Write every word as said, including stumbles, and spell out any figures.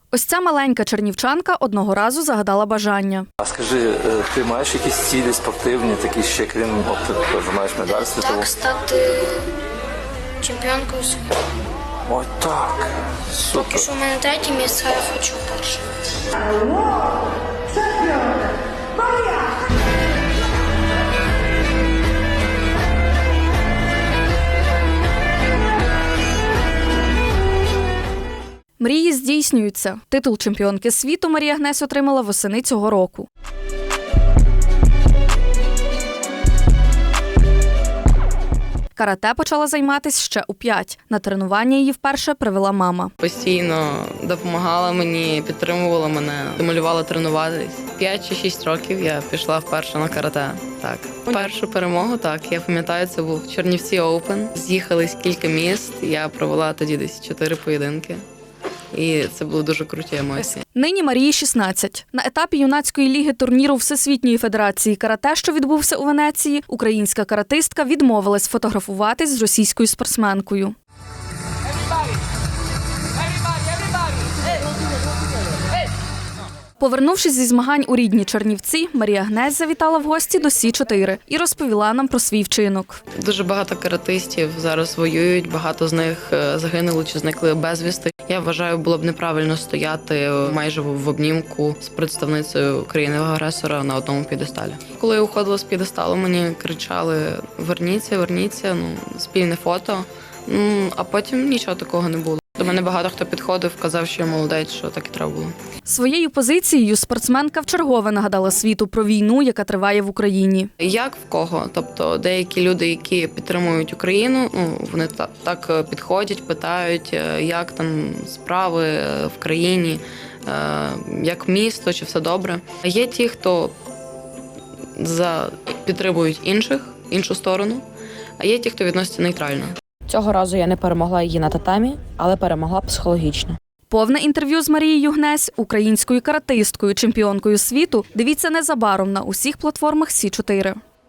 Ось ця маленька чернівчанка одного разу загадала бажання. А скажи, ти маєш якісь цілі спортивні, такі ще крім, от ти теж маєш медаль світову? Так, стати чемпіонкою світу. Ой, так, супер. Поки що в мене третє місце, а я хочу перше. Мрії здійснюються. Титул чемпіонки світу Марія Гнесь отримала восени цього року. Карате почала займатися ще у п'ять. На тренування її вперше привела мама. Постійно допомагала мені, підтримувала мене, стимулювала тренуватись. П'ять чи шість років я пішла вперше на карате. Так, першу перемогу, так, я пам'ятаю, це був Чернівці Оупен. З'їхались кілька міст, я провела тоді десь чотири поєдинки. І це були дуже круті емоції. Нині Марії шістнадцять. На етапі юнацької ліги турніру Всесвітньої федерації карате, що відбувся у Венеції, українська каратистка відмовилась фотографуватись з російською спортсменкою. Повернувшись зі змагань у рідні Чернівці, Марія Гнесь завітала в гості до Сі чотири і розповіла нам про свій вчинок. Дуже багато каратистів зараз воюють, багато з них загинули чи зникли безвісти. Я вважаю, було б неправильно стояти майже в обнімку з представницею країни-агресора на одному п'єдесталі. Коли я уходила з п'єдесталу, мені кричали «Верніться, верніться», ну, спільне фото, ну, а потім нічого такого не було. До мене багато хто підходив, казав, що я молодець, що так і треба було. Своєю позицією спортсменка вчергове нагадала світу про війну, яка триває в Україні. Як в кого? Тобто деякі люди, які підтримують Україну, ну, вони так, так підходять, питають, як там справи в країні, як місто, чи все добре. Є ті, хто за підтримують інших, іншу сторону, а є ті, хто відноситься нейтрально. Цього разу я не перемогла її на татамі, але перемогла психологічно. Повне інтерв'ю з Марією Гнесь, українською каратисткою, чемпіонкою світу, дивіться незабаром на усіх платформах Сі чотири.